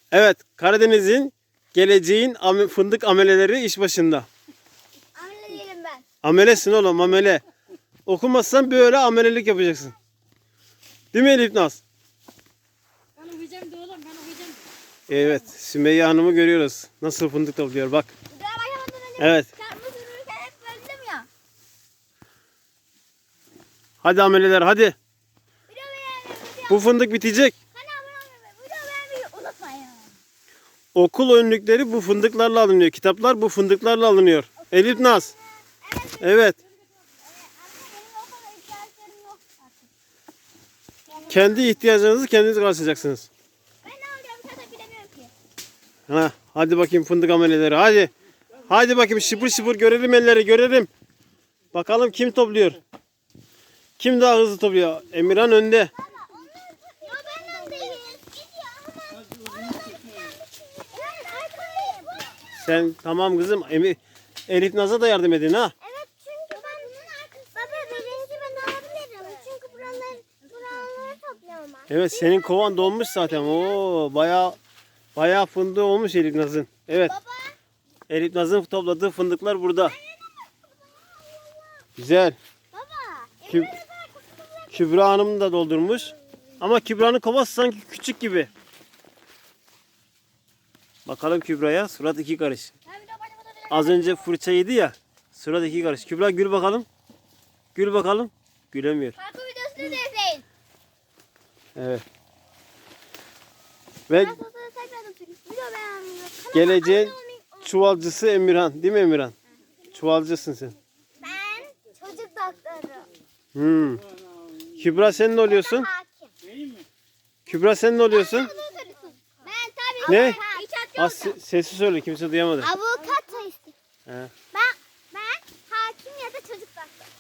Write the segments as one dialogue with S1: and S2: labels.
S1: Evet, Karadeniz'in geleceğin fındık ameleleri iş başında.
S2: Amele değilim ben.
S1: Amelesin oğlum, amele. Okumazsan böyle amelelik yapacaksın. Değil mi Elif Naz?
S3: Ben okuyacağım da oğlum, ben okuyacağım.
S1: Evet, Sümeyye Hanım'ı görüyoruz. Nasıl fındık topluyor bak.
S2: Daha başlamadan önce
S1: Evet.
S2: çarpma sürürken hep böldüm ya.
S1: Hadi ameleler hadi.
S2: Video beğenmeyi, video.
S1: Bu fındık bitecek.
S2: Kanala abone olmayı, video beğenmeyi unutmayın.
S1: Okul önlükleri bu fındıklarla alınıyor. Kitaplar bu fındıklarla alınıyor. Elif Naz. Evet.
S2: Anne benim o kadar ihtiyaçlarım yok artık.
S1: Kendi ihtiyacınızı kendiniz karşılayacaksınız.
S2: Ben ne alacağım zaten bilemiyorum ki.
S1: Ha, hadi bakayım fındık ameleleri hadi. Hadi bakayım şıpır şıpır görelim elleri görelim. Bakalım kim topluyor. Kim daha hızlı topluyor? Emirhan önde.
S2: Ya benden değil. Gidiyor ama. Evet arkadayım.
S1: Sen tamam kızım. Elif Naz'a da yardım edin ha.
S2: Evet çünkü ben bunun arkasında. Baba birinci ben alabilirim. Çünkü buraları topluyorum ben.
S1: Evet senin kovan dolmuş zaten. Oo bayağı fındığı olmuş Elif Naz'ın. Evet.
S2: Baba.
S1: Elif Naz'ın topladığı fındıklar burada. Güzel.
S2: Baba.
S1: Küb Kübra Hanım da doldurmuş. Ama Kübra'nın kovası sanki küçük gibi. Bakalım Kübra'ya. Surat iki karış. Az önce fırça yedi ya. Surat iki karış. Kübra gül bakalım. Gül bakalım. Gülemiyor.
S2: Parkur videosunu da izleyin.
S1: Evet. Ve
S2: Ben sosyal tekrar oturayım. Video beğenmeyi.
S1: geleceğin çuvalcısı Emirhan. Değil mi Emirhan? Çuvalcısın sen.
S2: Ben çocuk doktoru.
S1: Hmm. Kübra sen ne oluyorsun?
S2: Hakim.
S1: Kübra sen ne oluyorsun?
S2: Ben tabii
S1: Ne?
S2: İçeride
S1: Az sesi söyle kimse duyamadı.
S2: avukat istedim.
S1: He.
S2: Ben hakim ya da çocuk doktoru.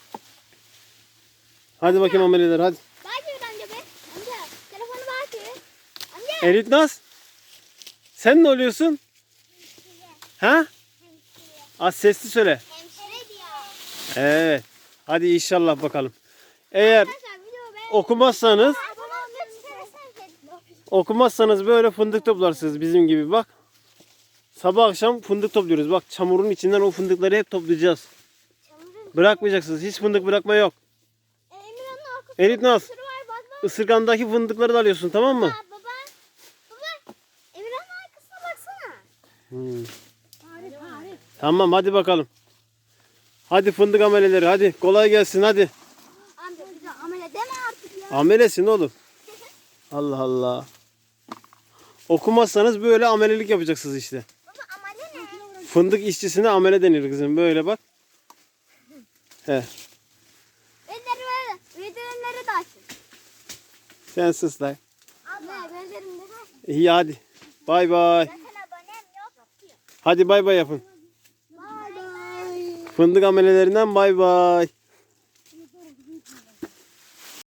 S1: Hadi bakayım ameleler hadi.
S2: Belki amca be. Amca telefonu belki. Amca.
S1: Elif Naz. Sen ne oluyorsun? Ha? Az sesli söyle.
S2: Hemşire diyor.
S1: Evet. Hadi inşallah bakalım. Eğer
S2: Arkadaşlar video beğen.
S1: okumazsanız
S2: Babam
S1: okumazsanız böyle fındık toplarsınız bizim gibi bak. Sabah akşam fındık topluyoruz. Bak çamurun içinden o fındıkları hep toplayacağız. Bırakmayacaksınız. Hiç fındık bırakma yok.
S2: Emirhan'ın arkasında
S1: Elif Naz.
S2: sürü var bak bak.
S1: Isırgandaki fındıkları da alıyorsun tamam mı?
S2: Baba. Baba. Emirhan'ın arkasına baksana.
S1: Hmm.
S3: Arif.
S1: Tamam hadi bakalım. Hadi fındık ameleleri hadi. Kolay gelsin hadi.
S2: Amca bir de amele deme artık ya.
S1: Amelesin oğlum. Allah Allah. Okumazsanız böyle amelelik yapacaksınız işte.
S2: Baba amele ne?
S1: Fındık işçisine amele denir kızım. Böyle bak. He.
S2: Elleri böyle. Bildirimleri de açın.
S1: Sen sus lan.
S2: Abla bildirimleri aç.
S1: İyi hadi. Bay bay.
S2: Zaten abonem yok.
S1: Hadi bay bay yapın.
S2: Bye bye.
S1: Fındık amelelerinden bay bay.